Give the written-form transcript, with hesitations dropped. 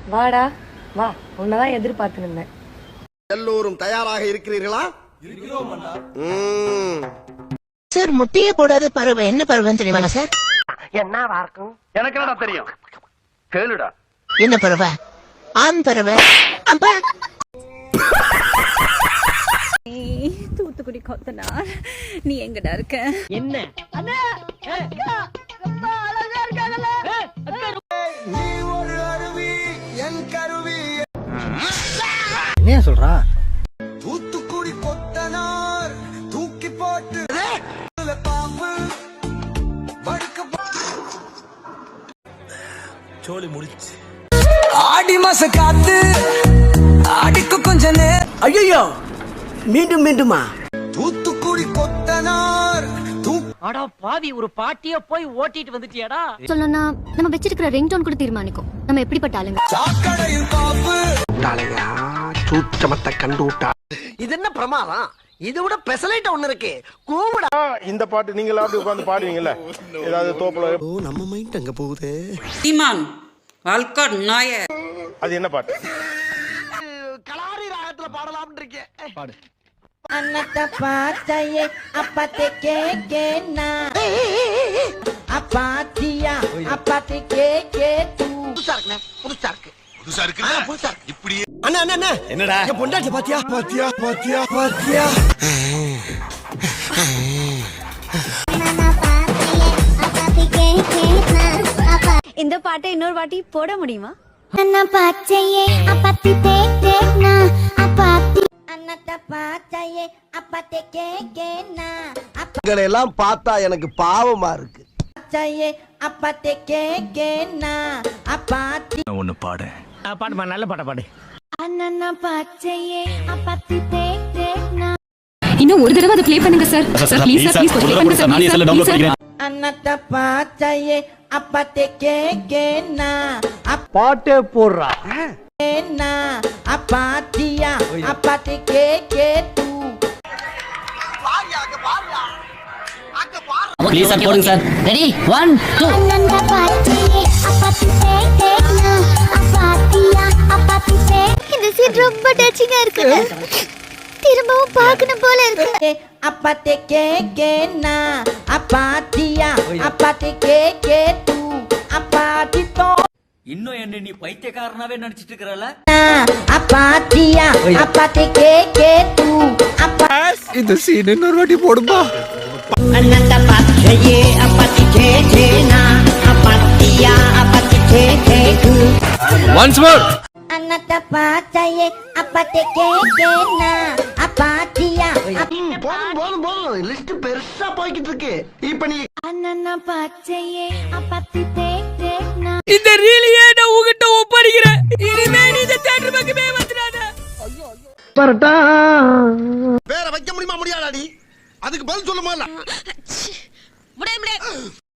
வாடா வா, உன்னதான் எதிர்பார்த்து இருந்தேன். எல்லோரும் தயாராக இருக்கிறீர்களா? சார் முட்டையே போடாத பறவை என்ன பறவைன்னு தெரியுமா சார்? என்ன இருக்கும்? எனக்கு என்னடா தெரியும், கேளுடா. என்ன பறவை? ஆண் பறவை. அப்பா தூத்துக்குடி கொத்தனார், நீ எங்கடா இருக்க? என்ன என்ன சொல்றா? தூத்துக்குடி கொத்தனார் தூக்கி போட்டு பாம்பு சோழி முடிச்சு. ஆடி மாச காத்து ஆடிக்கு கொஞ்ச நேரம். ஐயோ, மீண்டும் மீண்டுமா? தூத்துக்குடி கொத்தனார் அடா பாவி, ஒரு பாட்டிய போய் ஓட்டிட்டு வந்துட்டியாடா. சொல்லணும்னா நம்ம வச்சிருக்கிற ரிங்டோன் கூட தீர்மானிக்கும் நம்ம எப்படிப்பட்ட ஆளுங்க. சாக்கடையில் காப்பு சூச்சமத்தை கண்டு விட்டா. இது என்ன பிரமாதம்? இது விட பெசலைட் ஒண்ணு இருக்கு, கூவிடா. இந்த பாட்டு நீங்களா அப்படி உட்கார்ந்து பாடுவீங்கல்ல, ஏதாவது தோப்புல. நம்ம மைண்ட் அங்க போகுது. சீமான் வால்காட் நாய. அது என்ன பாட்டு? கலாரி ராகத்துல பாடலாம்னு இருக்கேன். பாடு. அன்னத்த பாத்தையே அப்பத்தே கேக்கேனா அப்பாத்தியா அப்பத்தே கேக்கே தூ. புதுசா இருக்குண்ணே, புதுசா இருக்கு. புதுசா இருக்கு இப்படி. அண்ணா அண்ணா அண்ணா, என்னடா என் பொண்டாட்டி பாத்தியா பாத்தியா பாத்தியா பாத்தியா? இந்த பாட்டை இன்னொரு வாட்டி போட முடியுமா? அன்னத்த பாத்தையே அப்பத்தே கேக்கேனா உங்களை எல்லாம் பார்த்தா எனக்கு பாவமா இருக்கு. அப்பாத்தையே அப்பத்தே கேக்கேனா அப்பாத்தி. ஒண்ணு பாடு. பாடுமா, நல்ல பாட்ட பாடு. அண்ணா பாச்சையே அப்பத்தி தேக்னா. இன்னும் ஒரு தடவை அதை ப்ளே பண்ணுங்க sir. Sir please sir, please play பண்ணுங்க சார். நானே செல்ல டவுன்லோட் பண்ணிக்கிறேன். அன்னத்த பாத்தையே அப்பத்தே கேக்கேனா பாட்டே போடுறா. கேனா அப்பாத்தியா அப்பத்தே கேக்கே தூ. ப்ளீஸ் சார் போடுங்க சார். ரெடி 1 2. அண்ணா பாச்சையே அப்பத்தி தேக்னா அப்பாத்தியா அப்பத்தி தே. இந்த சீன் ரொம்ப டச்சிங்கா இருக்கு. திரும்பவும் பார்க்கணும் போல இருக்கு. அப்பத்தே கேக்கேனா அப்பாத்தியா அப்பத்தே கேக்கே தூ. அப்பாத்தி தோ இன்னும் என்ன நீ பைத்தியக்காரனாவே நடிச்சிட்டு இருக்கறல? அப்பாத்தியா அப்பத்தே கேக்கே தூ. அப்பா இந்த சீன் இன்னொரு வாட்டி போடுமா? அன்னத்த பாச்சையே அப்பத்தி கேக்கேனா அப்பாத்தியா அப்பத்தி கேக்கே தூ. Once more. அன்னத்த பாச்சையே அப்பத்தே கேக்கேனா அப்பாத்தியா போதும் போதும் போதும், லிஸ்ட் பெருசா போய்கிட்டு இருக்கு. இப்ப நீ அண்ணா பாச்சையே அப்பத்தி தேக்னா. இந்த ரீலியே நான் உங்ககிட்ட ஒப்படைக்கிறேன். இனிமே நீ இந்த தியேட்டர் பக்கமே வந்துடாத. பரட்டா. வேற வைக்க முடியுமா? முடியாதாடி? அதுக்கு பதில் சொல்லுமா? முடியாது.